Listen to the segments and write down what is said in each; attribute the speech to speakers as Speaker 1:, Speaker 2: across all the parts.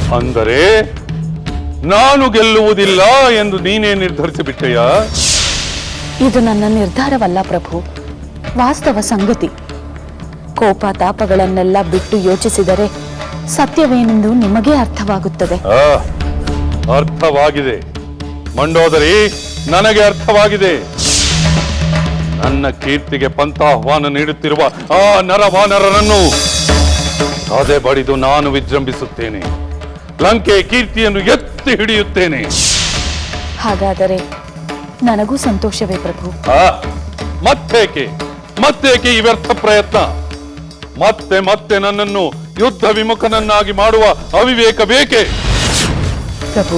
Speaker 1: ಅಂದರೆ ನಾನು ಗೆಲ್ಲುವುದಿಲ್ಲ ಎಂದು ನೀನೇ ನಿರ್ಧರಿಸಿಬಿಟ್ಟೆಯ?
Speaker 2: ಇದು ನನ್ನ ನಿರ್ಧಾರವಲ್ಲ ಪ್ರಭು, ವಾಸ್ತವ ಸಂಗತಿ. ಕೋಪ ತಾಪಗಳನ್ನೆಲ್ಲ ಬಿಟ್ಟು ಯೋಚಿಸಿದರೆ ಸತ್ಯವೇನೆಂದು ನಿಮಗೇ ಅರ್ಥವಾಗುತ್ತದೆ.
Speaker 1: ಅರ್ಥವಾಗಿದೆ ಮಂಡೋದರಿ, ನನಗೆ ಅರ್ಥವಾಗಿದೆ. ನನ್ನ ಕೀರ್ತಿಗೆ ಪಂಥಾಹ್ವಾನ ನೀಡುತ್ತಿರುವ ಆ ನರವಾನರರನ್ನು ಅದೇ ಬಡಿದು ನಾನು ವಿಜೃಂಭಿಸುತ್ತೇನೆ. ಲಂಕೆ ಕೀರ್ತಿಯನ್ನು ಎತ್ತಿ ಹಿಡಿಯುತ್ತೇನೆ.
Speaker 2: ಹಾಗಾದರೆ ನನಗೂ ಸಂತೋಷವೇ ಪ್ರಭು.
Speaker 1: ಮತ್ತೇಕೆ ಈ ವ್ಯರ್ಥ ಪ್ರಯತ್ನ? ಮತ್ತೆ ಮತ್ತೆ ನನ್ನನ್ನು ಯುದ್ಧ ವಿಮುಖನನ್ನಾಗಿ ಮಾಡುವ ಅವಿವೇಕ ಬೇಕೆ?
Speaker 2: ಪ್ರಭು,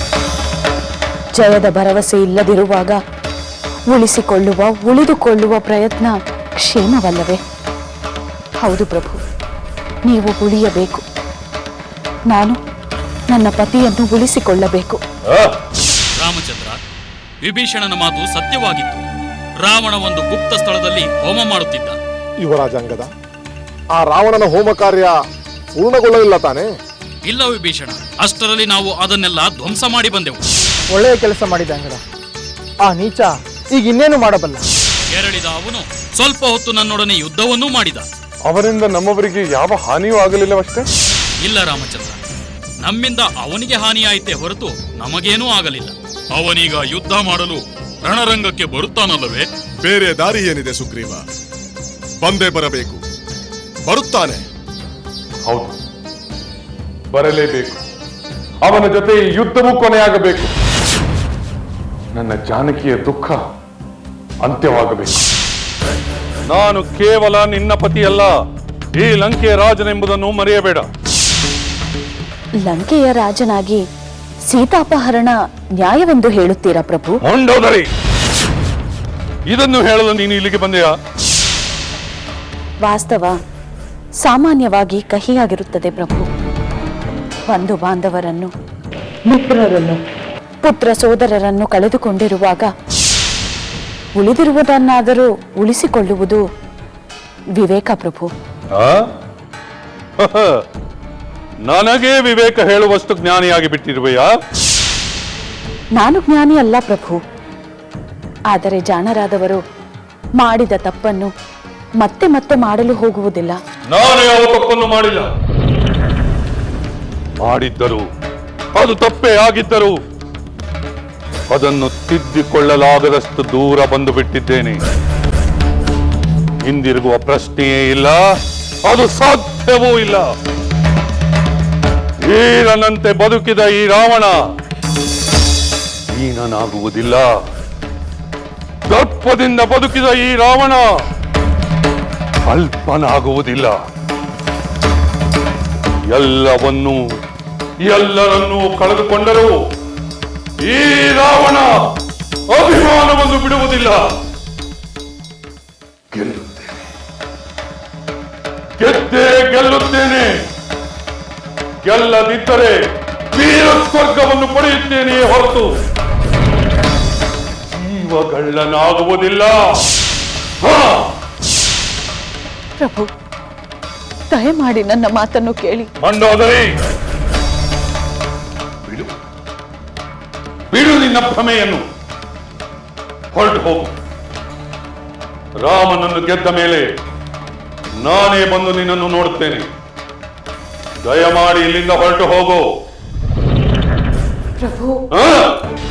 Speaker 2: ಜಯದ ಭರವಸೆ ಇಲ್ಲದಿರುವಾಗ ಉಳಿದುಕೊಳ್ಳುವ ಪ್ರಯತ್ನ ಕ್ಷೇಮವಲ್ಲವೇ? ಹೌದು ಪ್ರಭು, ನೀವು ಉಳಿಯಬೇಕು. ನಾನು ನನ್ನ ಪತಿಯನ್ನು ಉಳಿಸಿಕೊಳ್ಳಬೇಕು.
Speaker 3: ರಾಮಚಂದ್ರ, ವಿಭೀಷಣನ ಮಾತು ಸತ್ಯವಾಗಿತ್ತು. ರಾವಣ ಒಂದು ಗುಪ್ತ ಸ್ಥಳದಲ್ಲಿ ಹೋಮ ಮಾಡುತ್ತಿದ್ದ.
Speaker 4: ಯುವರಾಜಾಂಗದ, ಆ ರಾವಣನ ಹೋಮ ಕಾರ್ಯ ಪೂರ್ಣಗೊಳ್ಳಲಿಲ್ಲ ತಾನೇ?
Speaker 3: ಇಲ್ಲ ವಿಭೀಷಣ, ಅಷ್ಟರಲ್ಲಿ ನಾವು ಅದನ್ನೆಲ್ಲ ಧ್ವಂಸ ಮಾಡಿ ಬಂದೆವು.
Speaker 5: ಒಳ್ಳೆಯ ಕೆಲಸ ಮಾಡಿದ ಅಂಗದ. ಆ ನೀಚ ಈಗ ಇನ್ನೇನು ಮಾಡಬಲ್ಲ?
Speaker 3: ಕೆರಳಿದ ಅವನು ಸ್ವಲ್ಪ ಹೊತ್ತು ನನ್ನೊಡನೆ ಯುದ್ಧವನ್ನೂ ಮಾಡಿದ.
Speaker 1: ಅವರಿಂದ ನಮ್ಮವರಿಗೆ ಯಾವ ಹಾನಿಯೂ ಆಗಲಿಲ್ಲವಷ್ಟೇ?
Speaker 3: ಇಲ್ಲ ರಾಮಚಂದ್ರ, ನಮ್ಮಿಂದ ಅವನಿಗೆ ಹಾನಿಯಾಯಿತೇ ಹೊರತು ನಮಗೇನೂ ಆಗಲಿಲ್ಲ. ಅವನೀಗ ಯುದ್ಧ ಮಾಡಲು ರಣರಂಗಕ್ಕೆ ಬರುತ್ತಾನಲ್ಲವೇ?
Speaker 6: ಬೇರೆ ದಾರಿ ಏನಿದೆ ಸುಗ್ರೀವ? ಬಂದೇ ಬರಬೇಕು. ಬರುತ್ತಾನೆ.
Speaker 1: ಹೌದು, ಬರಲೇಬೇಕು. ಅವನ ಜೊತೆ ಯುದ್ಧವೂ ಕೊನೆಯಾಗಬೇಕು. ನನ್ನ ಜಾನಕಿಯ ದುಃಖ ಅಂತ್ಯವಾಗಬೇಕು. ನಾನು ಕೇವಲ ನಿನ್ನ ಪತಿಯಲ್ಲ, ಈ ಲಂಕೆಯ ರಾಜನೆಂಬುದನ್ನು ಮರೆಯಬೇಡ.
Speaker 2: ಲಂಕೆಯ ರಾಜನಾಗಿ ಸೀತಾಪಹರಣ ನ್ಯಾಯವೆಂದು ಹೇಳುತ್ತೀರಾ ಪ್ರಭು?
Speaker 1: ಮಂಡೋದರಿ, ಇದನ್ನು ಹೇಳಲು ನೀನು ಇಲ್ಲಿಗೆ ಬಂದೆಯಾ?
Speaker 2: ವಾಸ್ತವ ಸಾಮಾನ್ಯವಾಗಿ ಕಹಿಯಾಗಿರುತ್ತದೆ ಪ್ರಭು. ಬಂಧು ಬಾಂಧವರನ್ನು, ಮಿತ್ರರನ್ನು, ಪುತ್ರ ಸೋದರರನ್ನು ಕಳೆದುಕೊಂಡಿರುವಾಗ ಉಳಿದಿರುವುದನ್ನಾದರೂ ಉಳಿಸಿಕೊಳ್ಳುವುದು ವಿವೇಕ ಪ್ರಭು.
Speaker 1: ನನಗೇ ವಿವೇಕ ಹೇಳುವಷ್ಟು ಜ್ಞಾನಿಯಾಗಿ ಬಿಟ್ಟಿರುವೆಯಾ?
Speaker 2: ನಾನು ಜ್ಞಾನಿ ಅಲ್ಲ ಪ್ರಭು, ಆದರೆ ಜಾಣರಾದವರು ಮಾಡಿದ ತಪ್ಪನ್ನು ಮತ್ತೆ ಮತ್ತೆ ಮಾಡಲು ಹೋಗುವುದಿಲ್ಲ.
Speaker 1: ನಾನು ಯಾವ ತಪ್ಪನ್ನು ಮಾಡಿಲ್ಲ. ಮಾಡಿದ್ದರು, ಅದು ತಪ್ಪೇ ಆಗಿದ್ದರು, ಅದನ್ನು ತಿದ್ದಿಕೊಳ್ಳಲಾಗದಷ್ಟು ದೂರ ಬಂದು ಬಿಟ್ಟಿದ್ದೇನೆ. ಹಿಂದಿರುಗುವ ಪ್ರಶ್ನೆಯೇ ಇಲ್ಲ, ಅದು ಸಾಧ್ಯವೂ ಇಲ್ಲ. ವೀರನಂತೆ ಬದುಕಿದ ಈ ರಾವಣ ಹೀನನಾಗುವುದಿಲ್ಲ. ದರ್ಪದಿಂದ ಬದುಕಿದ ಈ ರಾವಣ ಅಲ್ಪನಾಗುವುದಿಲ್ಲ. ಎಲ್ಲರನ್ನೂ ಕಳೆದುಕೊಂಡರೂ ಈ ರಾವಣ ಅಭಿಮಾನವನ್ನು ಬಿಡುವುದಿಲ್ಲ. ಗೆಲ್ಲುತ್ತೇನೆ. ಗೆಲ್ಲದಿದ್ದರೆ ವೀರ ಸ್ವರ್ಗವನ್ನು ಪಡೆಯುತ್ತೇನೆ ಹೊರತು ಜೀವಗಳ್ಳನಾಗುವುದಿಲ್ಲ.
Speaker 2: ಪ್ರಭು, ದಯಮಾಡಿ ನನ್ನ ಮಾತನ್ನು ಕೇಳಿ.
Speaker 1: ಮಂಡೋದರಿ, ಬಿಡು ನಿನ್ನ ಭ್ರಮೆಯನ್ನು. ಹೊರಟು ಹೋಗು. ರಾಮನನ್ನು ಗೆದ್ದ ಮೇಲೆ ನಾನೇ ಬಂದು ನಿನ್ನನ್ನು ನೋಡುತ್ತೇನೆ. ದಯಮಾಡಿ ಇಲ್ಲಿಂದ ಹೊರಟು ಹೋಗು.
Speaker 2: ಪ್ರಭು